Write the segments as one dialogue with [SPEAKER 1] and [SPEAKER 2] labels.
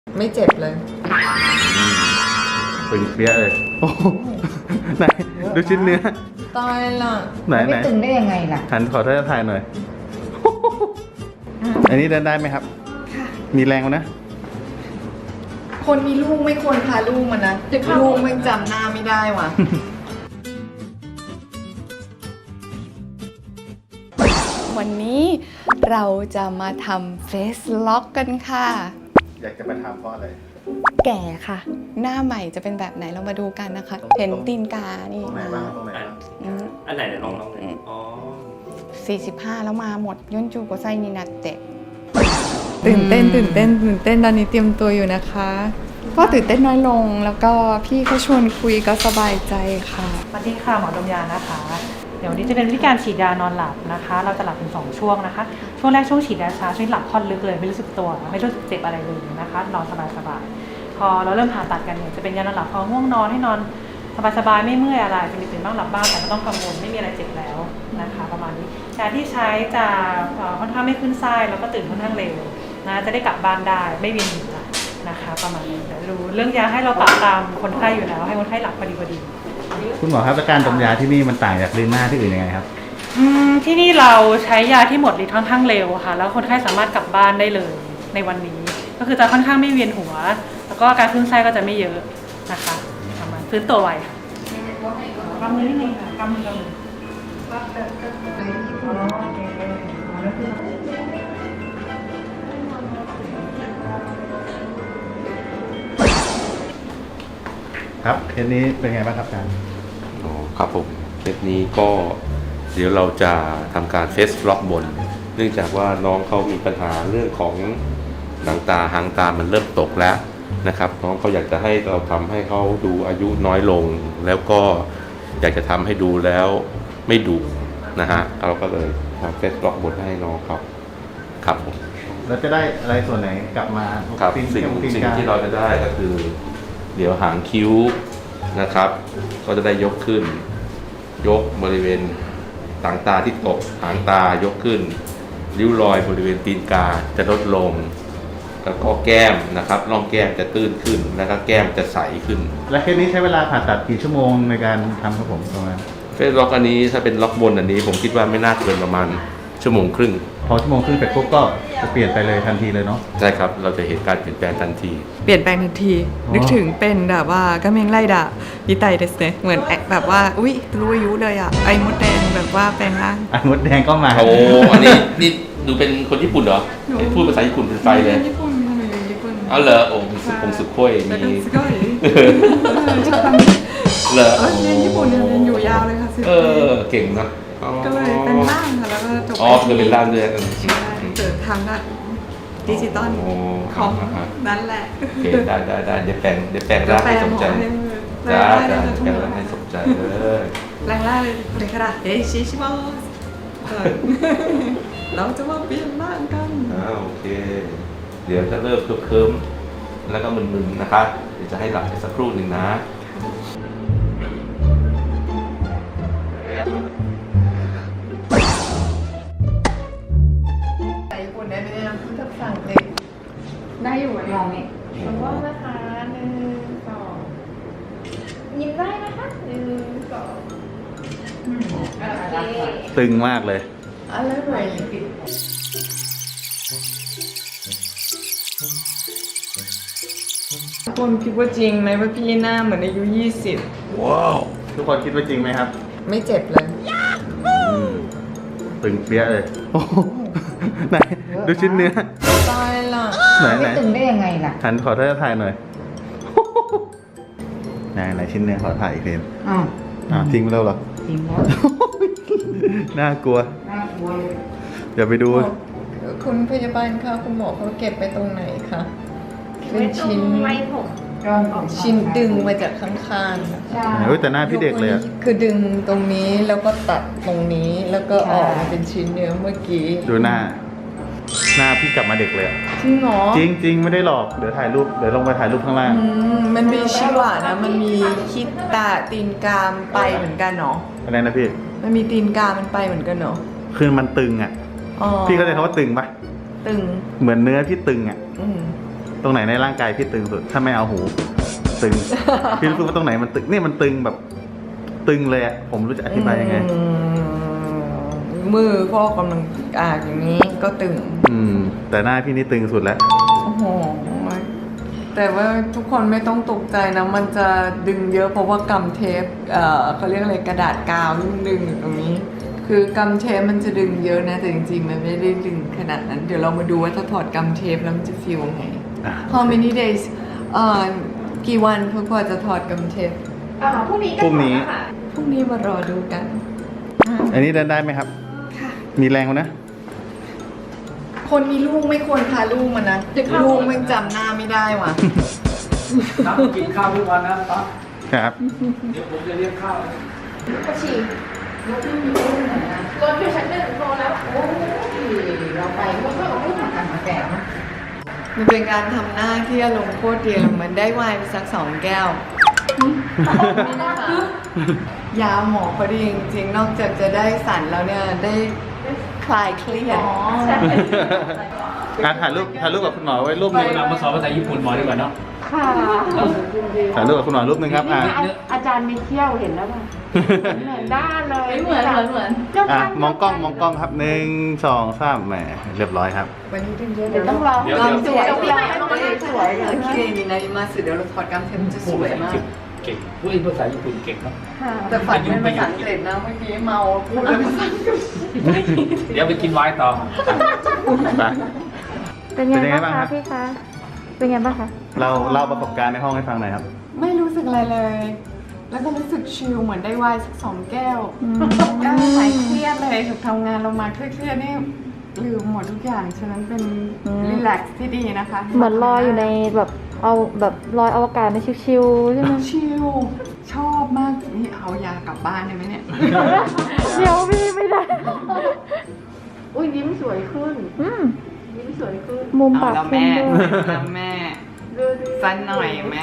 [SPEAKER 1] ไม่เจ็บเลย
[SPEAKER 2] ตึงเปี้ยเลยโอ้ไหนดูชิ้นเนื้อ
[SPEAKER 1] ตายละ
[SPEAKER 2] ไหน
[SPEAKER 3] ไม่ตึงได้ยังไงล่ะ
[SPEAKER 2] หันขอท่านถ่ายหน่อยอันนี้เดินได้ไหมครับมีแรงนะ
[SPEAKER 1] คนมีลูกไม่ควรพาลูกมานะลูกไม่จำหน้าไม่ได้ว่ะวันนี้เราจะมาทำเฟซล็อกกันค่ะ
[SPEAKER 2] อยากจะมาทำเพราะอะไร
[SPEAKER 1] แก่ค่ะหน้าใหม่จะเป็นแบบไหนเรามาดูกันนะคะเห็นตีนกานี่
[SPEAKER 2] ตรงไหนบ้างตรงไหนบ้าง
[SPEAKER 4] อันไหนลองอ๋อ
[SPEAKER 1] 45แล้วมาหมดย่นจูโกไซนินัตเตะตื่นเต้นตอนนี้เตรียมตัวอยู่นะคะก็ตื่นเต้นน้อยลงแล้วก็พี่เขาชวนคุยก็สบายใจค่ะ
[SPEAKER 3] สวัสดีค่ะหมอดมยานะคะเดี๋ยวนี้จะเป็นวิธีการฉีดยานอนหลับนะคะเราจะหลับเป็น2ช่วงนะคะช่วงแรกช่วงฉีดยาชาช่วยหลับค่อนลึกเลยไม่รู้สึกตัวไม่รู้สึกเจ็บอะไรเลยนะคะนอนสบายๆพอเราเริ่มผ่าตัดกันเนี่ยจะเป็นยานอนหลับพอง่วงนอนให้นอนสบายๆไม่เมื่อยอะไรจะมีตื่นบ้างหลับบ้างแต่ไม่ต้องกังวลไม่มีอะไรเจ็บแล้วนะคะประมาณนี้ยาที่ใช้จะค่อนข้างไม่ขึ้นไส้แล้วก็ตื่นค่อนข้างเร็วนะจะได้กลับบ้านได้ไม่เวียนหัวนะคะประมาณนี้เดี๋ยวดูเรื่องยาให้เราปรับตามคนไข้อยู่แล้วให้คนไข้หลับพอดี
[SPEAKER 2] คุณหมอครับการดมยาที่นี่มันต่างจากลินหน้าที่อื่นยังไงครับ
[SPEAKER 3] ที่นี่เราใช้ยาที่หมดฤทธิ์ค่อนข้างเร็วค่ะแล้วคนไข้สามารถกลับบ้านได้เลยในวันนี้ก็คือจะค่อนข้างไม่เวียนหัวแล้วก็การขึ้นไส้ก็จะไม่เยอะนะคะประมาณฟื้นตัวไวค่ะกำมือนิดนึงค่ะกำมือ
[SPEAKER 2] ครับเคสนี้เป็นไงบ้างครับอาจารย์
[SPEAKER 4] อ๋อครับผมเคสนี้ก็เดี๋ยวเราจะทำการเฟสล็อกบนเนื่องจากว่าน้องเขามีปัญหาเรื่องของหนังตาหางตามันเริ่มตกแล้วนะครับน้องเขาอยากจะให้เราทำให้เขาดูอายุน้อยลงแล้วก็อยากจะทำให้ดูแล้วไม่ดุนะฮะเราก็เลยทำเฟสล็อกบนให้น้องเขาครับผม
[SPEAKER 2] เราจะได้อะไรส่วนไหนกลับมา
[SPEAKER 4] ครับสิ่งที่เราจะได้ก็คือเดี๋ยวหางคิ้วนะครับก็จะได้ยกขึ้นยกบริเวณต่างตาที่ตกหางตายกขึ้นริ้วรอยบริเวณตีนกาจะลดลงแล้วก็แก้มนะครับร่องแก้มจะตื้นขึ้นแล้วก็แก้มจะใสขึ้น
[SPEAKER 2] และเคสนี้ใช้เวลาผ่าตัดกี่ชั่วโมงในการทำครับผมประมาณ
[SPEAKER 4] เฟสล็อกอันนี้ถ้าเป็นล็อกบนอันนี้ผมคิดว่าไม่น่าเกินประมาณชั่วโมงครึ่ง
[SPEAKER 2] พอชั่วโมงครึ่งเสร็จปุ๊บก็จะเปลี่ยนไปเลยทันทีเลยเนาะ
[SPEAKER 4] ใช่ครับเราจะเห็นการเปลี่ยนแปลงทันที
[SPEAKER 1] เปลี่ยนแปลงทันทีนึกถึงเป็นแบบว่ากำเมงไล่ด่ายิไตเดสเนเหมือนแบบว่าอุ้ยรู้อายุเลยอ่ะไอ้มดแดงแบบว่าแปลงร่าง
[SPEAKER 2] ไอ้มดแดงก็มา
[SPEAKER 4] โอ้อันนี้นี่ดูเป็นคนญี่ปุ่นเหรอพูดภาษาญี่ปุ่นเป็นไฟเลย
[SPEAKER 1] ญี่ปุ่น
[SPEAKER 4] เอาเหรอโอ้คงสุโขยมีเหรอ
[SPEAKER 1] เรียนญี่ปุ่นเรียนอยู่ยาวเลยค่ะ
[SPEAKER 4] เก่งนะ
[SPEAKER 1] ก็เลยเป็นร่างค่ะแล้วก็จบ
[SPEAKER 4] คือเป็นร่างเรือกัน
[SPEAKER 1] เจอทางด้านดิจิตอลของนั่นแหละ
[SPEAKER 4] โอเคได้เดี๋ยวแปลงร่างให้สมใจจ้าแปลงร่างให้สมใจเลย
[SPEAKER 1] แรงล่าเลยเลยค่ะเฮ้ชิชิบอสเราจะมาเปลี่ยนร่างกัน
[SPEAKER 4] โอเคเดี๋ยวจะเริ่มเคิมแล้วก็มึนๆนะคะเดี๋ยวจะให้หลับไปสักครู่หนึ่งนะ
[SPEAKER 1] ได้อยู่ลองนี่
[SPEAKER 5] ขอบคุณนะคะ1 2ยิ้มได้นะคะ1 2โอเค
[SPEAKER 2] ตึงมากเลย
[SPEAKER 1] อะไรไหวคนคิดว่าจริงไหมว่าพี่หน้าเหมือนอายุ20
[SPEAKER 2] ว้าวทุกคนคิดว่าจริงไหมครับ
[SPEAKER 1] ไม่เจ็บเลย
[SPEAKER 2] ตึงเปี้ยเลยโอ้ไหนดูชิ้นเนื้อ
[SPEAKER 1] ตายละ
[SPEAKER 3] ไม่ตึงได้ยังไงล่ะ
[SPEAKER 2] หันขอท่านถ่ายหน่อยไหนชิ้นเนื้อขอถ่ายอีกทีทิ้งไปแล้วเหรอ
[SPEAKER 3] ทิ้งแล้ว
[SPEAKER 2] น่ากลัวอย่าไปดู
[SPEAKER 1] คุณพยาบาลคะคุณหมอเขาเก็บไปตรงไหนคะเป็นชิ้น
[SPEAKER 5] ไว้ผม
[SPEAKER 1] ชิ้นดึงมาจากข้างๆ
[SPEAKER 2] ใช่แต่หน้าพี่เด็กเลย
[SPEAKER 1] คือดึงตรงนี้แล้วก็ตัดตรงนี้แล้วก็ออกมาเป็นชิ้นเนื้อเมื่อกี้
[SPEAKER 2] ดูหน้าพี่กลับมาเด็กเลย
[SPEAKER 1] จริงเหรอ
[SPEAKER 2] จริงไม่ได้หลอกเดี๋ยวถ่ายรูปเดี๋ยวลงไปถ่ายรูปข้างล่าง
[SPEAKER 1] มันมีชิวะนะมันมีคิดตาตีนกามไปเหมือนกันเนาะ
[SPEAKER 2] อะไรนะพี่
[SPEAKER 1] มันมีตีนกามมันไปเหมือนกันเนาะ
[SPEAKER 2] คือมันตึงอ่ะพี่เข้าใจคำว่าตึงปะ
[SPEAKER 1] ตึง
[SPEAKER 2] เหมือนเนื้อที่ตึงอ่ะตรงไหนในร่างกายพี่ตึงสุด ถ้าไม่เอาหู ตึง พี่รู้สึกว่าตรงไหนมันตึงนี่มันตึงแบบตึงเลยอะผมรู้จะอธิบายยังไง
[SPEAKER 1] มือข้อกำลังอย่างนี้ก็ตึง
[SPEAKER 2] แต่หน้าพี่นี่ตึงสุดแล้ว
[SPEAKER 1] โอ้โห แต่ว่าทุกคนไม่ต้องตกใจนะ มันจะดึงเยอะเพราะว่ากำเทปเขาเรียกอะไรกระดาษกาวที่มันดึงอยู่ตรงนี้ คือกำเทปมันจะดึงเยอะนะ แต่จริงๆมันไม่ได้ดึงขนาดนั้น เดี๋ยวเรามาดูว่าถ้าถอดกำเทปแล้วมันจะฟีลยังไง How many days กี่วันเพื่อกว่าจะถอดกำเทป
[SPEAKER 5] พรุ่งนี้ก็
[SPEAKER 2] พรุ่งนี้
[SPEAKER 5] ถอดแล้วค่ะ
[SPEAKER 1] พรุ่งนี้มารอดูกัน
[SPEAKER 2] อันนี้เดินได้ไหมครับ มีแรงมั้ยนะ
[SPEAKER 1] คนมีลูกไม่ควรพาลูกมานะลูกไม่จำหน้าไม่ได้ว่ะ
[SPEAKER 6] น้ำกินข้าวทุกวันนะป๊า
[SPEAKER 2] ครับ
[SPEAKER 6] เดี๋ยวผมจะเลี้ยงข้าว
[SPEAKER 5] กระฉีกรถอยู่ชั้นหนึ่งโทรแล้ว โอ้ยเราไปเมื่อไม่ทำกันมาแก่นะ
[SPEAKER 1] มันเป็นการทำหน้าที่อารมณ์โคตรดีเลยเหมือนได้ไวน์ไปสัก2 แก้ว ยาหมอพอดีจริงๆ นอกจากจะได้สั่นแล้วเนี่ยได้คลายเครียด
[SPEAKER 2] ถ่ายรูปกับคุณหมอไว้รูปหนึง
[SPEAKER 6] เรามาสอนภาษาญี่ปุ่นหมอดีกว่าเนาะ
[SPEAKER 7] ค่ะ
[SPEAKER 2] ถ่ายรูปกับคุณหมอรูปหนึงครับ
[SPEAKER 7] อาจารย์มีเที่ยวเห็นแล้วป่ะเหมือนด้านเลย
[SPEAKER 5] เหมือน
[SPEAKER 2] มองกล้องครับ1 2 3แหมเรียบร้อยครับ
[SPEAKER 1] วันนี้ดึงเยอะ
[SPEAKER 7] เดี๋ยวต้องรอ
[SPEAKER 1] กำสวย
[SPEAKER 7] เดี๋ยว
[SPEAKER 1] สวยโอเคดีนะมาสิเดี๋ยวเราถอดกำเทปมันจะสวยมาก
[SPEAKER 6] เก่งพูดภาษาญี่ปุ่นเก่งเนาะ
[SPEAKER 1] แต่ฝันเป็นภาษาอังกฤษนะเมื่อกี้เมาพูดเลยภาษาอังกฤษ
[SPEAKER 6] เดี๋ยวไปกินไวน์ต่อ
[SPEAKER 2] ไป
[SPEAKER 7] เป็นไงบ้างคะพี่คะ เป็นไงบ้างคะ
[SPEAKER 2] เราเล่าประสบการณ์ในห้องให้ฟังหน่อยครับ
[SPEAKER 1] ไม่รู้สึกอะไรเลย แล้วก็รู้สึกชิลเหมือนได้ไวน์สัก2 แก้วก็หายเครียดเลยถูกทำงานเรามาเครียดๆนี่ลืมหมดทุกอย่างฉะนั้นเป็นรีแลกซ์ที่ดีนะคะ
[SPEAKER 7] เหมือนลอยอยู่ในแบบเอาแบบลอยอวกาศในชิวๆใช่ไหม
[SPEAKER 1] ชิลชอบมากนี่เอายากลับบ้านได้ไหมเนี่ย
[SPEAKER 7] เดี๋ยวพี่ไม่ได้
[SPEAKER 5] อุ้ยยิ้มสวยขึ้น ยิ้มสวยขึ้น
[SPEAKER 7] มุม
[SPEAKER 1] เอา
[SPEAKER 7] ปาก
[SPEAKER 1] แล้ว
[SPEAKER 7] ขึ้น
[SPEAKER 1] แม่
[SPEAKER 7] ด้วย
[SPEAKER 1] แล้วแม่สั้นหน่อยไหม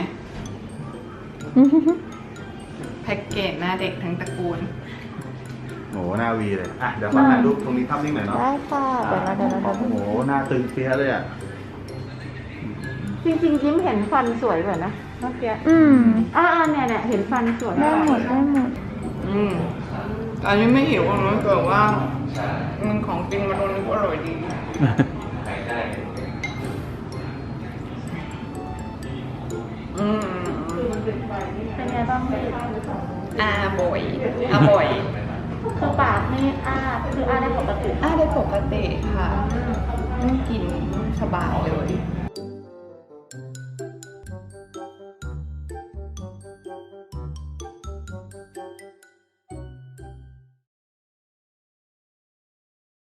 [SPEAKER 1] แพ็กเกจหน้าเด็กทั้งตระกูล
[SPEAKER 2] โอ้โหหน้าวีเลยเดี๋ยวขอถ่ายรูปตรงนี้ภาพนิ่งหน่อยเนาะ
[SPEAKER 7] ได้ค่ะเดี๋ยวนะ
[SPEAKER 2] โอ้โหหน้าตึงเปี้ยเลยอ่ะ
[SPEAKER 7] จริงๆยิ้มเห็นฟันสวยกว่านะเมื่อกี้เนี่ยเห็นฟันสวยได้หมด
[SPEAKER 1] อันนี้ไม่หิวนะเกิดว่ามันของกินมาโดนก็อร่อยดี
[SPEAKER 7] เป็นไงบ้างพี่
[SPEAKER 1] บ่อยบ่อย
[SPEAKER 7] คือปากไม่คือได้ปกติ
[SPEAKER 1] ได้ปกติค่ะไม่กินสบายเลย